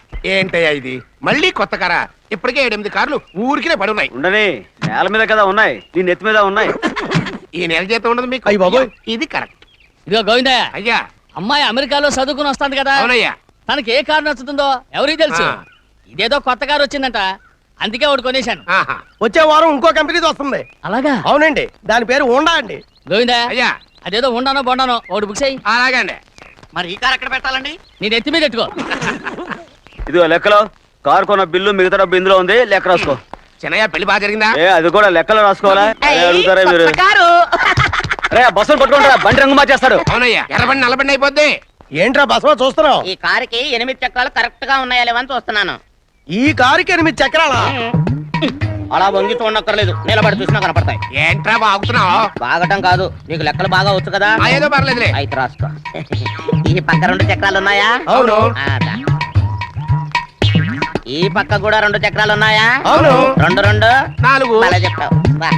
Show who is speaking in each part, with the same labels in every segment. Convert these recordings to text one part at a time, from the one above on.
Speaker 1: ఏంటయ్యా ఇది మళ్ళీ కొత్త కారా? ఇప్పటికే 7-8 కార్లు ఊరికినే పడున్నాయి.
Speaker 2: ఉండని, నేల మీద కదా ఉన్నాయి, నీ నెత్తి మీద ఉన్నాయి.
Speaker 1: ఈ నెల జీతం ఉండదు మీకు.
Speaker 3: అయ్య బాబోయ్.
Speaker 1: ఇది కరెక్ట్.
Speaker 4: ఇదిగో గోవిందయ్య,
Speaker 1: అయ్యా.
Speaker 4: అమ్మాయి అమెరికాలో చదువుకుని వస్తాంది కదా,
Speaker 1: అవునయ్యా.
Speaker 4: తనకి ఏ కారు నచ్చుతుందో ఎవరికి తెలుసు.
Speaker 1: ఆ.
Speaker 4: ఇదేదో కొత్త కారు వచ్చిందంట, అందుకే ఒకటి కొనేశాను.
Speaker 1: ఆహా.
Speaker 3: వచ్చే వారం ఇంకో కంపెనీది వస్తుంది.
Speaker 4: అలాగా?
Speaker 3: అవునండి, దాని పేరు హోండా అండి.
Speaker 4: గోవిందయ్య,
Speaker 1: అయ్యా.
Speaker 4: అదేదో ఉండానో బొండానో ఒకటి బుక్ చేయి.
Speaker 1: అలాగే అండి.
Speaker 5: మరి ఈ కార్ ఎక్కడ పెట్టాలండి?
Speaker 4: నీ నెత్తి మీద పెట్టుకో.
Speaker 2: ఇదిగో లెక్కలో కారు కొన్న బిల్లు మిగతా డబ్బు ఇందులో ఉంది, లెక్క రాసుకో.
Speaker 1: చిన్నయ్య పెళ్లి బాగా జరిగిందా?
Speaker 2: అది కూడా లెక్కలో రాసుకోవాలా? అదే అడుగుతారా మీరు?
Speaker 5: కారు
Speaker 2: రే బస్సులు పట్టుకుంటారా, బండి రంగు మార్చేస్తాడు.
Speaker 1: అవునయ్యా, ఎర్రబండి నల్లబండి అయిపోద్ది.
Speaker 3: ఏంట్రా బసవ చూస్తున్నావు?
Speaker 5: ఈ కారుకి 8 చక్రాలు కరెక్ట్ గా ఉన్నాయా లేవని చూస్తున్నాను.
Speaker 3: ఈ కారుకి 8 చక్రాలా?
Speaker 5: అలా వంగి చూడక్కర్లేదు, నిలబడి చూసినా కనపడతాయి.
Speaker 1: ఏంట్రా బాగుతున్నావు?
Speaker 5: బాగటం కాదు, నీకు లెక్కలు బాగా వచ్చు కదా.
Speaker 1: ఏదో పర్లేదులే.
Speaker 5: అయితే రాసుకో. ఈ పక్క 2 చక్రాలు ఉన్నాయా?
Speaker 1: అవును.
Speaker 5: దా. ఈ పక్క కూడా 2 చక్రాలు ఉన్నాయా?
Speaker 1: అవును.
Speaker 5: 2 2
Speaker 1: 4.
Speaker 5: అలా చెప్తావు. బా.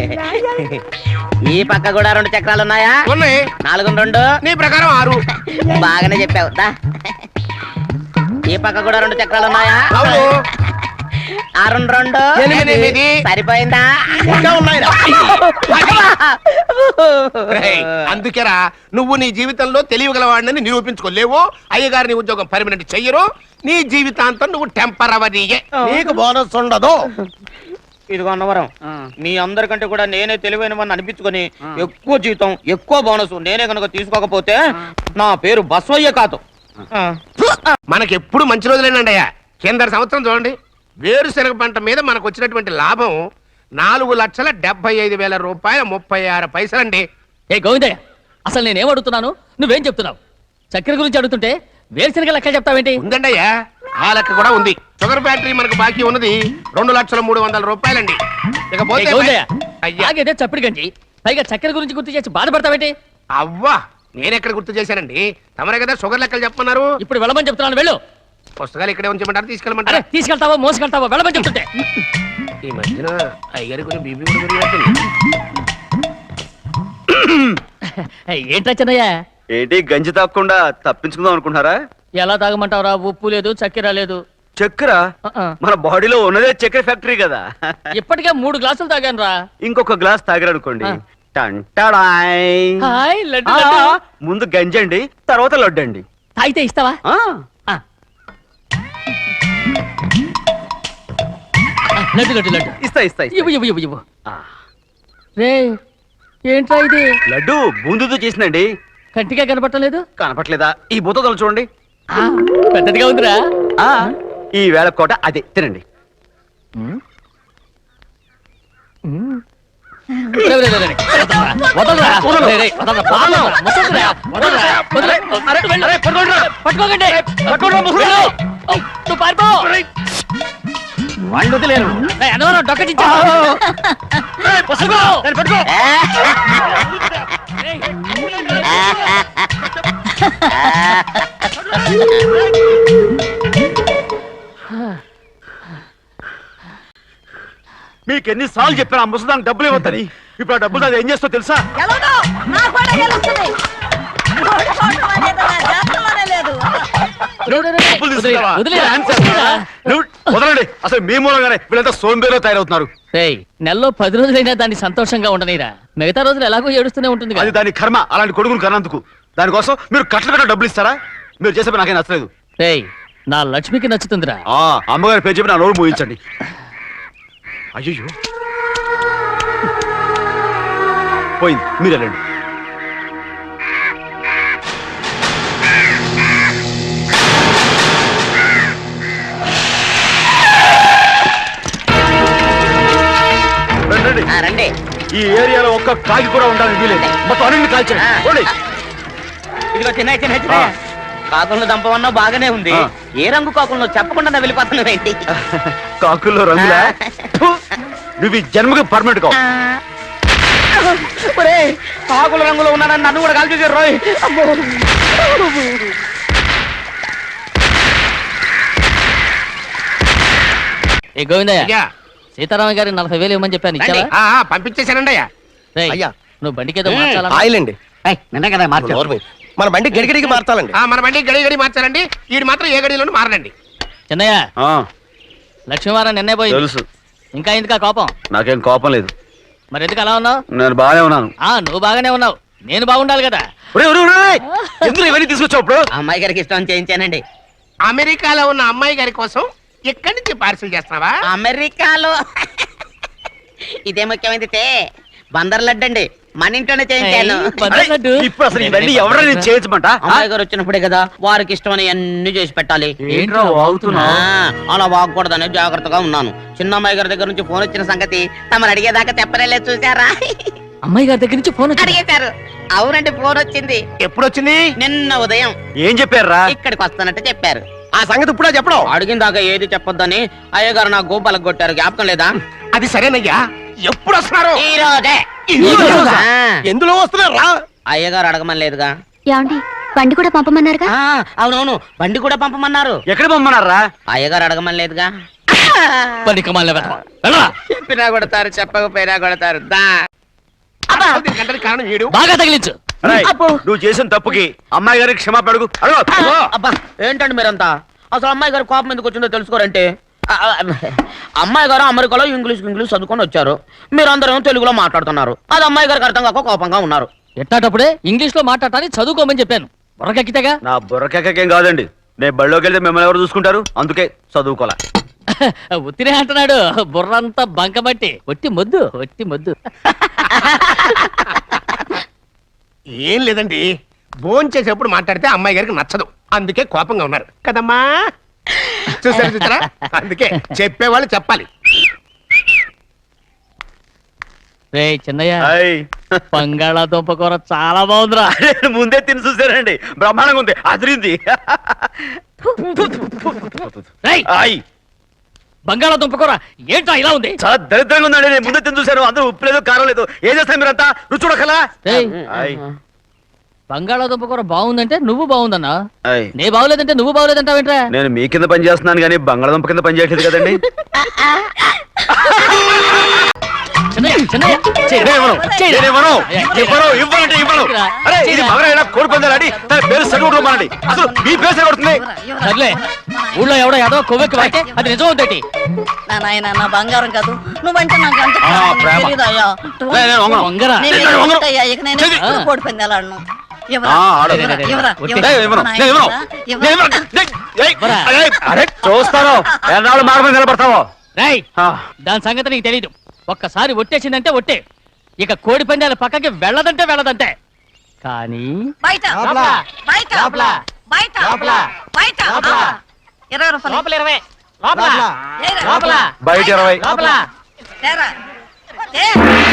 Speaker 5: ఈ పక్క కూడా 2 చక్రాలు ఉన్నాయా?
Speaker 1: ఉన్నాయి.
Speaker 5: 4 2
Speaker 1: నీ ప్రకారం 6.
Speaker 5: బాగానే చెప్పావు. దా. ఈ పక్క కూడా 2 చక్రాలు ఉన్నాయా?
Speaker 1: అవును.
Speaker 5: 6 2
Speaker 1: 8.
Speaker 5: సరిపోయిందా?
Speaker 3: ఇంకా ఉన్నాయిరా.
Speaker 1: రేయ్, అందుకేరా నువ్వు నీ జీవితంలో తెలియగలవాడిని నిరూపించుకోలేవు. అయ్యగారి ఉద్యోగం పర్మనెంట్ చెయ్యరు. నీ జీవితాంతం నువ్వు టెంపరవరీయే.
Speaker 3: నీకు బోనస్ ఉండదు.
Speaker 5: ఇదిగో అన్నవరం, మీ అందరికంటే కూడా నేనే తెలివైన వాడిని అనిపించుకొని ఎక్కువ జీతం ఎక్కువ బోనస్ నేనే కనుక తీసుకోకపోతే నా పేరు బస్వయ్య కాదు.
Speaker 1: మనకెప్పుడు మంచి రోజులేనండి అయ్యా. కింద సంవత్సరం చూడండి, వేరుశనగ పంట మీద మనకు వచ్చినటువంటి లాభం 4,75,000 రూపాయల 36 పైసలండి.
Speaker 4: ఏ గోవిందయ్య, అసలు నేనేం అడుగుతున్నాను, నువ్వేం చెప్తున్నావు? చక్కెర గురించి అడుగుతుంటే వేరుశనగ లెక్క చెప్తావేంటి?
Speaker 1: ఉందండి అయ్యా, ఆ లెక్క కూడా ఉంది. షుగర్ ఫ్యాక్టరీ మనకు బాకీ ఉన్నది 2,03,00,000 రూపాయలండి. ఇకపోతే అయ్యా,
Speaker 4: ఆగేదే చప్పిడి గంజి, పైగా చక్కెర గురించి గుర్తు చేసి బాధపడతావేంటి?
Speaker 1: అవ్వా, నేనెక్కడ గుర్తు చేశానండి? తమరే కదా షుగర్ లెక్కలు చెప్పమన్నారు.
Speaker 4: ఇప్పుడు వెళ్ళమని చెప్తున్నాను, వెళ్ళు.
Speaker 1: పుస్తకాలు ఇక్కడే ఉంచమంటారు,
Speaker 4: అరే
Speaker 1: తీసుకెళ్ళమంటారా?
Speaker 4: తీసుకెళ్తావో మోసుకెళ్తావో వెళ్ళమని చెప్తుంటే.
Speaker 1: ఈ మధ్యన అయ్యగారి కొంచెం బీపీ కూడా పెరిగినట్టుంది.
Speaker 4: ఏంట్రా చిన్నయ్య,
Speaker 2: ఏంటి గంజి తాగకుండా తప్పించుకుందాం అనుకుంటున్నారా?
Speaker 4: ఎలా తాగమంటావురా? ఉప్పు లేదు, చక్కెర లేదు.
Speaker 2: చక్కెర మన బాడీలో ఉన్నదే చక్కెర ఫ్యాక్టరీ కదా.
Speaker 4: ఇప్పటికే 3 గ్లాసులు తాగాను రా.
Speaker 2: ఇంకొక గ్లాస్ తాగారనుకోండి, టంటాడాయ్.
Speaker 4: హాయ్ లడ్డు.
Speaker 2: ముందు గంజండి, తర్వాత లడ్డండి.
Speaker 4: తాగితే ఇస్తావా? లడ్డు లడ్డు లడ్డు
Speaker 2: ఇస్తా ఇస్తా
Speaker 4: ఇవ్వు ఇవ్వు ఇవ్వు ఇవ్వు. రే ఏంట్రా ఇది?
Speaker 2: లడ్డు బూందుతో చేసిందండి.
Speaker 4: కంటిగా కనపడలేదు.
Speaker 2: కనపట్లేదా? ఈ బూతలు చూడండి,
Speaker 4: పెద్దదిగా ఉందిరా.
Speaker 2: ఈ వేళ కోట అదే తినండి.
Speaker 4: వాళ్ళు వదిలేరు. డొక్కటించా.
Speaker 2: మీకు ఎన్నిసార్లు చెప్పాను ఆ ముసదానికి డబ్బులు ఇవ్వద్దని. ఇప్పుడు ఆ డబ్బులు అది ఏం చేస్తో తెలుసా? వదలండి, అసలు మీ మూలంగానే వీళ్ళంతా సోంబేలో తయారవుతున్నారు.
Speaker 4: నెలలో 10 రోజులైనా దాన్ని సంతోషంగా ఉండనిరా. మిగతా రోజులు ఎలాగో ఏడుస్తూనే ఉంటుంది.
Speaker 2: అది దాని కర్మ, అలాంటి కొడుకును కన్నందుకు. దానికోసం మీరు కట్ల డబ్బులు ఇస్తారా? మీరు చేసే నాకేం నచ్చలేదు.
Speaker 4: నా లక్ష్మికి నచ్చుతుందిరా.
Speaker 2: అమ్మగారి పేరు చెప్పి నా నోరు మూయించండి. అయ్యో పోయింది, మీరు వెళ్ళండి.
Speaker 5: రండి.
Speaker 2: ఈ ఏరియాలో ఒక్క కాకి కూడా ఉండాలని వీలేదు. మొత్తం అన్ని కాల్చండి.
Speaker 5: ఇదిగో చిన్న చిన్న చిన్న కాకులను దంపమన్నా బాగానే ఉంది. ఏ రంగు కాకులను చెప్పకుండా వెళ్ళిపోతున్నావు ఏంటి?
Speaker 2: కాకుల్లో రంగులా? నువ్వు ఈ జన్మకి పర్మనెంట్ కావు.
Speaker 5: కాకుల రంగులో ఉన్నానని నన్ను కూడా కాల్చేసారు రోయ్.
Speaker 4: ఏ గోవిందయ్య, సీతారామ గారి 40,000 ఇవ్వమని చెప్పాను, ఇచ్చావా?
Speaker 1: పంపించేశానండి అయ్యా.
Speaker 4: నువ్వు బండికేదో మార్చాలా?
Speaker 3: ఆయిల్ అండి.
Speaker 5: నిన్న కదా మార్చారు.
Speaker 3: మన బండి గడిగడికి మార్చాలండి.
Speaker 1: మన బండి గడి మార్చాలండి. వీడు మాత్రం ఏ గడిలోనూ మారనండి.
Speaker 4: చిన్నయ్య
Speaker 2: ఆ,
Speaker 4: లక్ష్మీవారం నిన్నే పోయింది
Speaker 2: తెలుసు.
Speaker 4: ఇంకా ఎందుకా కోపం?
Speaker 2: నాకేం కోపం లేదు,
Speaker 4: మరి ఎందుకు అలా ఉన్నావు?
Speaker 2: నేను బాగానే ఉన్నాను.
Speaker 4: నువ్వు బాగానే ఉన్నావు, నేను బాగుండాలి కదా.
Speaker 2: ఒరేయ్, ఒరేయ్, ఒరేయ్, ఎందుకు ఇవన్నీ తీసుకొచ్చావు ఇప్పుడు?
Speaker 5: అమ్మాయి గారికి ఇష్టం చేయించానండి.
Speaker 1: అమెరికాలో ఉన్న అమ్మాయి గారి కోసం ఎక్కడి నుంచి పార్సిల్ చేస్తున్నావా?
Speaker 5: అమెరికాలో ఇదే ముఖ్యమైనది బందర్ లడ్డు అండి, మన ఇంట్లోనే చేయించాను.
Speaker 4: ఏయ్, బందర్ లడ్డు.
Speaker 2: ఇప్పుడు అసలు ఇవన్నీ ఎవరైనా చేయొచ్చమంట?
Speaker 5: అమ్మాయి గారు వచ్చినప్పుడే కదా వారికి ఇష్టమని అన్ని చేసి పెట్టాలి.
Speaker 4: ఏంట్రా వాగుతున్నావ్?
Speaker 5: అలా వాగకూడదని జాగ్రత్తగా ఉన్నాను. చిన్న అమ్మాయి గారి దగ్గర నుంచి ఫోన్ వచ్చిన సంగతి తమరు అడిగేదాకా చెప్పలేదు, చూసారా?
Speaker 4: అమ్మాయి గారి దగ్గర నుంచి ఫోన్ వచ్చింది.
Speaker 5: అడిగేశారు. అవునండి, ఫోన్ వచ్చింది
Speaker 1: ఎప్పుడు వచ్చింది?
Speaker 5: నిన్న ఉదయం.
Speaker 2: ఏం చెప్పారా?
Speaker 5: ఇక్కడికి వస్తానంటే చెప్పారు.
Speaker 3: ఆ సంగతి ఇప్పుడే చెప్పడం.
Speaker 5: అడిగిన దాకా ఏది చెప్పొద్దని అయ్యగారు నా గోపాలకు కొట్టారు, జ్ఞాపకం లేదా?
Speaker 1: అది సరేనయ్యా, ఎప్పుడు వస్తున్నారు?
Speaker 5: ఈ రోజే. ఆ,
Speaker 3: ఎందులో వస్తున్నారా?
Speaker 5: అయ్యగారు అడగమని లేదుగా.
Speaker 6: ఏమండి బండి కూడా పంపమన్నారుగా?
Speaker 5: అవునవును, బండి కూడా పంపమన్నారు.
Speaker 2: ఎక్కడ పొమ్మన్నారా?
Speaker 5: అయ్యగారు అడగమని లేదుగా.
Speaker 4: పని కమాలిన వెధవ. వెళ్ళరా.
Speaker 5: చెప్పినా కొడతారు, చెప్పకపోయినా కొడతారు. దా.
Speaker 1: అసలు దీనికి అంతటి కారణం వీడు.
Speaker 4: బాగా తగిలించు.
Speaker 2: రేయ్, నువ్వు చేసిన తప్పుకి అమ్మాయి గారికి క్షమాపణ అడుగు. అడుగు.
Speaker 5: అబ్బా, ఏంటండి మీరంతా? అసలు అమ్మాయి గారు కోపం ఎందుకు వచ్చిందో తెలుసుకోరంటే, అమ్మాయి గారు అమెరికాలో ఇంగ్లీష్ చదువుకొని వచ్చారు, మీరందరూ తెలుగులో మాట్లాడుతున్నారు. అది అమ్మాయి గారికి అర్థం కాక కోపంగా ఉన్నారు.
Speaker 4: ఎట్టాటప్పుడే ఇంగ్లీష్ లో మాట్లాడాలని చదువుకోమని చెప్పాను. బుర్రకెక్కితేగా.
Speaker 2: నా బుర్రకేకేం కాదండి, నేను బళ్ళోకి వెళ్తే మిమ్మల్ని ఎవరు చూసుకుంటారు, అందుకే చదువుకోలే.
Speaker 4: ఉత్తినే అంటున్నాడు, బుర్రంతా బంకబట్టి. ఒట్టి మొద్దు, ఒట్టి మొద్దు.
Speaker 1: ఏం లేదండి, భోంచేసేప్పుడు మాట్లాడితే అమ్మాయి గారికి నచ్చదు, అందుకే కోపంగా ఉన్నారు కదమ్మా. చూసారా, అందుకే చెప్పేవాళ్ళు చెప్పాలి.
Speaker 4: రే చిన్నయ్య,
Speaker 2: హాయ్.
Speaker 4: బంగాళాదుంప కూర చాలా బాగుందిరా.
Speaker 2: నేను ముందే తిని చూసానండి, బ్రహ్మాండంగా ఉంది, అదిరింది.
Speaker 4: రేయ్,
Speaker 2: హాయ్.
Speaker 4: బంగాళాదుంప కూర ఏంటా ఇలా ఉంది?
Speaker 2: చాలా దరిద్రంగా ఉందండి, నేను ముందే తిని చూశాను, అందరూ ఉప్పు లేదు కారం లేదు. ఏం చేస్తారు మీరంతా? రుచి చూడకలా.
Speaker 4: రేయ్,
Speaker 2: హాయ్.
Speaker 4: బంగాళాదుంప కూర బాగుందంటే నువ్వు బాగుందన్నా,
Speaker 2: హాయ్.
Speaker 4: నే బాగులేదంటే నువ్వు బాగులేదంటావేంట్రా?
Speaker 2: నేను మీ కింద పని చేస్తున్నాను కానీ బంగాళదుంప కింద పని చేయట్లేదు కదండి.
Speaker 4: చిన్నయ్య, చిన్నయ్య, చెయ్.
Speaker 2: నేను ఇవ్వను.
Speaker 4: చెయ్.
Speaker 2: నేను ఇవ్వను.
Speaker 4: చెయ్.
Speaker 2: ఇవ్వను. ఇవ్వనంటే ఇవ్వను. అరే, ఇది మగరైనా కోడి పందాలని తన పేరు సరిగొట్టుకోమనండి. అసలు మీ పేరు సరిగొడుతుంది.
Speaker 4: సర్లే, ఊళ్ళో ఎవడో ఏదో కొవ్వెక్కి వాడితే అది నిజం అవుతాయి.
Speaker 7: నా నాయన నా బంగారం కాదు, నువ్వంటే నాకు అంత
Speaker 2: ఆ, ప్రేమ.
Speaker 7: తెలీదయ్యా.
Speaker 2: నేను వంగను.
Speaker 4: వంగరా.
Speaker 2: నేను వంగను.
Speaker 7: ఇక నేను ఎప్పుడు కోడి పందాలాడను.
Speaker 2: ఆ, ఆడు. నేను ఇవ్వను. నేను ఇవ్వను. నేను ఇవ్వను. ఏయ్, అరే, అరే, చూస్తాను ఎన్నాళ్ళు మాట మీద నిలబడతావో.
Speaker 4: రేయ్,
Speaker 2: ఆ,
Speaker 4: దాని సంగతి నీకు తెలీదు. ఒక్కసారి ఒట్టేసిందంటే ఒట్టే, ఇక కోడి పందాల పక్కకి వెళ్ళదంటే వెళ్ళదంటే. కానీ
Speaker 7: బయట
Speaker 3: లోపల.
Speaker 7: బయట
Speaker 3: లోపల.
Speaker 7: బయట
Speaker 3: లోపల.
Speaker 7: బయట 20 రూపాయలు.
Speaker 3: లోపల.
Speaker 7: ఏరా.
Speaker 3: లోపల.
Speaker 2: బయట 20.
Speaker 7: ఏరా. ఏ.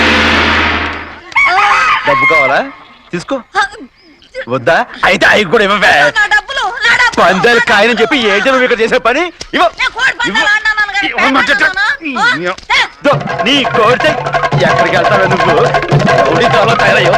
Speaker 2: డబ్బు కావాలా? తీసుకో. వద్దా? అయితే అవి కూడా ఇవ్వవే.
Speaker 7: నా డబ్బులు, నా డబ్బులు.
Speaker 2: పందాలు కాయని చెప్పి ఏంటి నువ్వు ఇక్కడ చేసే పని? ఇవ్వ.
Speaker 7: నేను కోడి పందాలు ఆడినాను కానీ
Speaker 2: ఇవ్వమంటే
Speaker 7: పేకాడుతున్నానా?
Speaker 2: దో, నీ కోరితే ఎక్కడికి వెళ్తావే నువ్వు? రౌడీ చాలా తయారయ్యో.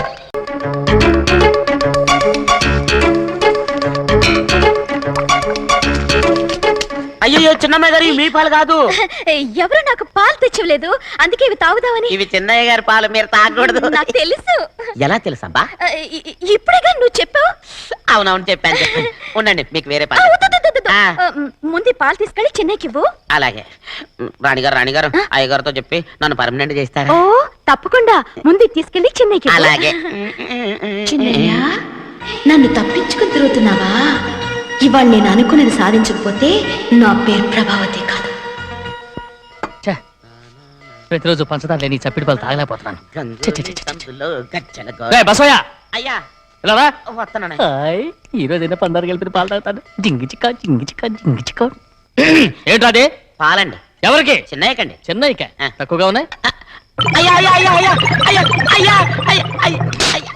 Speaker 5: అయ్యో, చిన్నమ్మాయి గారు మీ పాలు కాదు,
Speaker 6: ఎవరు నాకు పాలు తెచ్చివ్వలేదు, అందుకే ఇవి తాగుదామని.
Speaker 5: ఇవి చిన్నయ్య గారి పాలు, మీరు తాగకూడదు.
Speaker 6: నాకు తెలుసు.
Speaker 5: ఎలా తెలుసబ్బా?
Speaker 6: ఇప్పుడేగా నువ్వు చెప్పావు.
Speaker 5: అవునవును, చెప్పాను. ఉండండి, మీకు వేరే
Speaker 6: ఆ,
Speaker 5: పాలు.
Speaker 6: వద్దు, వద్దు, వద్దు.
Speaker 5: ఆ.
Speaker 6: ముందు ఈ పాలు తీసుకెళ్ళి చెన్నైకి ఇవ్వు.
Speaker 5: అలాగే. రాణిగారు అయ్యగారితో చెప్పి నన్ను పర్మనెంట్ చేస్తారా?
Speaker 6: ఓ తప్పకుండా, ముందు ఇది తీసుకెళ్ళి చెన్నైకి ఇవ్వు.
Speaker 5: అలాగే.
Speaker 6: చిన్నయ్య, నన్ను తప్పించుకుని తిరుగుతున్నావా? ఇవాళ నేను అనుకున్నది సాధించకపోతే నా పేరు ప్రభావతి కాదు.
Speaker 4: ఛే, ప్రతిరోజు పంచదార లేని చప్పిడి పాలు తాగలేకపోతున్నాను. ఛే, ఛే, ఛే, ఛే.
Speaker 5: గంతులో గజ్జల గో-
Speaker 4: రేయ్, బసవయ్య,
Speaker 5: అయ్యా,
Speaker 4: ఇలా రా.
Speaker 5: వస్తున్నాను.
Speaker 4: హాయ్, ఈ రోజైనా పందారు కలిపిన పాలు తాగుతాను. జింగి చిక్క జింగి చిక్క జింగి చిక్క. ఏంట్రా అది?
Speaker 5: పాలండి.
Speaker 4: ఎవరికి?
Speaker 5: చిన్నయ్యకండి.
Speaker 4: చెన్నైకా?
Speaker 5: ఆ.
Speaker 4: తక్కువగా ఉన్నాయి.
Speaker 5: అయ్యా అయ్యా అయ్యా అయ్యా అయ్యా అయ్యా అయ్యా అయ్యా అయ్యా.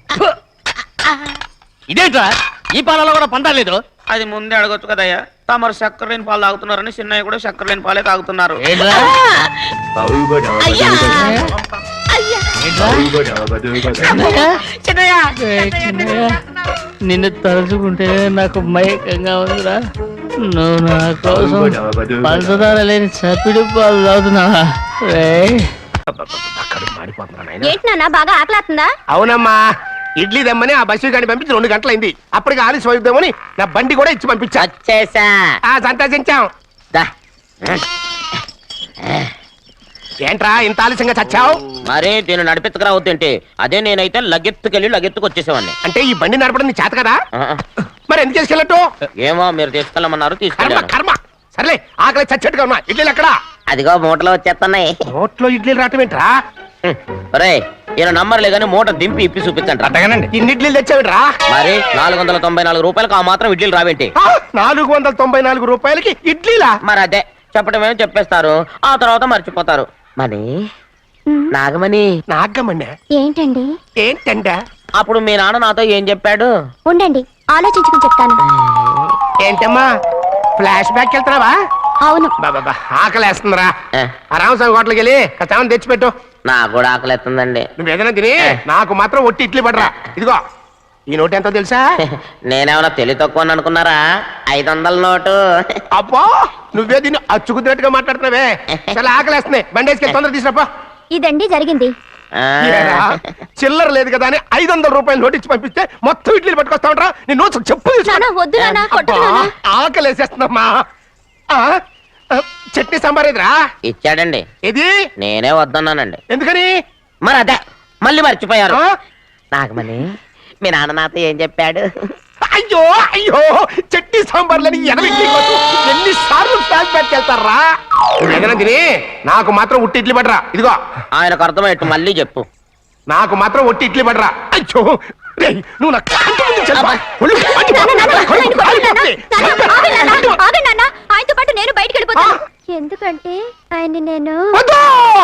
Speaker 4: ఇదేంట్రా, ఈ పాలలో కూడా పందాలు లేదు?
Speaker 5: అది ముందే అడగొచ్చు కదయ్యా. తమరు చక్కెర లేని పాలు తాగుతున్నారని చిన్నయ్య కూడా చక్కెర లేని పాలే తాగుతున్నారు.
Speaker 4: ఏంట్రా?
Speaker 6: అయ్యా అయ్యా
Speaker 4: ఏంట్రా? చిన్నయ్య? ఏయ్, చిన్నయ్య, నిన్ను తలుచుకుంటే నాకు మైకంగా ఉందిరా. నువ్వు నా కోసం పంచదార లేని చప్పిడి పాలు తాగుతున్నావా? రేయ్,
Speaker 1: అక్కడ మాడిపోతున్నాను ఆయన.
Speaker 6: ఏంటి నాన్న, బాగా ఆకలాతుందా?
Speaker 1: అవునమ్మా, ఇడ్లీ దమ్మని ఆ బస్సు గాని పంపించి 2 గంటలైంది. అప్పటికి ఆలస్యం అవుతామని నా బండి కూడా ఇచ్చి పంపించా.
Speaker 5: వచ్చేసా
Speaker 1: సంతోషించాం.
Speaker 5: దా.
Speaker 1: ఏంట్రా ఇంత ఆలస్యంగా చచ్చావు?
Speaker 5: మరి దీన్ని నడిపెత్తుకురావద్దేంటి? అదే నేనైతే లగెత్తుకు వచ్చేసేవాడిని.
Speaker 1: అంటే ఈ బండి నడపడం నీ చేత కదా?
Speaker 5: ఆ,
Speaker 1: మరి ఎందుకు చేసుకెళ్ళట్టు?
Speaker 5: ఏమో మీరు తీసుకెళ్ళమన్నారు,
Speaker 1: కర్మ
Speaker 5: తీసుకెళ్ళాను.
Speaker 1: కర్మ. సర్లే ఆకలి చచ్చేట్టుగా ఉన్నా. ఇడ్లీలు ఎక్కడా?
Speaker 5: అదిగో మూటలో వచ్చేస్తున్నాయి.
Speaker 1: నోట్లో ఇడ్లీలు రావటం ఏంట్రా?
Speaker 5: రే ఈయన నంబర్లే కానీ మూట దింపి ఇప్పి చూపించండి.
Speaker 1: అట్టగానండి. ఇన్ని ఇడ్లీలు తెచ్చావిడ్రా?
Speaker 5: మరి 494 రూపాయలకు ఆ మాత్రం ఇడ్లీలు రావేంటి?
Speaker 1: 494 రూపాయలకి ఇడ్లీలా?
Speaker 5: మరి అదే చెప్పడమేమో చెప్పేస్తారు, ఆ తర్వాత మర్చిపోతారు. మరి నాగమణి,
Speaker 1: నాగమ్మన్నా
Speaker 6: ఏంటండి?
Speaker 1: ఏంటంట?
Speaker 5: అప్పుడు మీ నాన్న నాతో ఏం చెప్పాడు?
Speaker 6: ఉండండి, ఆలోచించుకుని చెప్తాను.
Speaker 1: ఏంటమ్మా ఫ్లాష్ బ్యాక్ వెళ్తున్నావా?
Speaker 6: అవును.
Speaker 1: బాబా ఆకలేస్తుందిరా.
Speaker 5: ఏ,
Speaker 1: ఆ రామస్వామి హోటల్కి వెళ్ళి కచ్చామని తెచ్చిపెట్టు.
Speaker 5: నాకు కూడా ఆకలిస్తుందండి.
Speaker 1: నువ్వు ఏదైనా తిని నాకు మాత్రం ఒట్టి ఇడ్లీ పడరా. ఇదిగో ఈ నోటు ఎంతో తెలుసా?
Speaker 5: నేనేమన్నా తెలివి తక్కువ అనుకున్నారా? 500 నోటు.
Speaker 1: అబ్బో నువ్వే దీన్ని అచ్చుకుతున్నట్టుగా మాట్లాడుతున్నావే. చాలా ఆకలేస్తుంది. బండేసుకెళ్ళి తొందర తీసినప్పా.
Speaker 6: ఇదండి జరిగింది.
Speaker 5: ఆ,
Speaker 1: చిల్లర లేదు కదా అని 500 రూపాయలు నోటు ఇచ్చి పంపిస్తే మొత్తం ఇడ్లీలు పట్టుకొస్తా ఉంటా. నీ నోట్స్ చెప్పు తీసుకో.
Speaker 6: నాన్న, వద్దు నాన్న, కొట్టకు
Speaker 1: అబ్బా,
Speaker 6: నాన్న.
Speaker 1: ఆకలేసేస్తుందమ్మా. చట్నీ సాంబార్ ఎదురా?
Speaker 5: ఇచ్చాడండి.
Speaker 1: ఇది
Speaker 5: నేనే వద్దన్నానండి.
Speaker 1: ఎందుకని?
Speaker 5: మరి అదే మళ్ళీ మర్చిపోయారు.
Speaker 1: ఆ?
Speaker 5: నాగమణి, మీ నాన్న నాతో ఏం చెప్పాడు?
Speaker 1: అయ్యో అయ్యో చట్నీ సాంబార్లని ఎన్నిసార్లు ప్యాక్ పెట్టుకెళ్తారా? ఏదైనా తిని నాకు మాత్రం ఉట్టి ఇడ్లీ పడరా. ఇదిగో
Speaker 5: ఆయనకు అర్థమయ్యట్టు మళ్ళీ చెప్పు.
Speaker 1: నాకు మాత్రం ఒట్టి ఇడ్లీ పడరా. అయ్యో రేయ్, నువ్వు నా కంటి ముందు చెప్పా. ఒళ్ళు మండి
Speaker 6: నాన్న, నాన్న,
Speaker 1: పోతుంది.
Speaker 6: ఆయన కొట్టకు నాన్న. నాన్న, ఆగండి నాన్న, ఆగండి నాన్న. ఆయనతో పాటు నేను బయటికి వెళ్ళిపోతాను. ఎందుకంటే ఆయన్ని నేను
Speaker 1: వద్దు!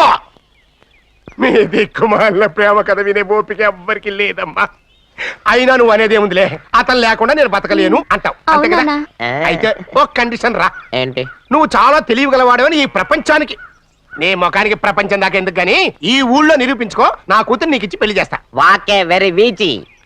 Speaker 1: మీ దిక్కుమాల ప్రేమ కథ వినే ఓపిక ఎవ్వరికి లేదమ్మా. అయినా నువ్వు అనేదేముందిలే, అతను లేకుండా నేను బతకలేను అంటావు అంతే కదా?
Speaker 6: అవునా?
Speaker 1: అయితే ఒక కండిషన్ రా.
Speaker 5: ఏంటి?
Speaker 1: నువ్వు చాలా తెలియగలవాడవని ఈ ప్రపంచానికి, నీ ముఖానికి ప్రపంచం దాకా ఎందుకు గాని ఈ ఊళ్ళో నిరూపించుకో. నా కూతురు నీకు ఇచ్చి పెళ్లి చేస్తా.
Speaker 5: వాకే వెరీ వీచి.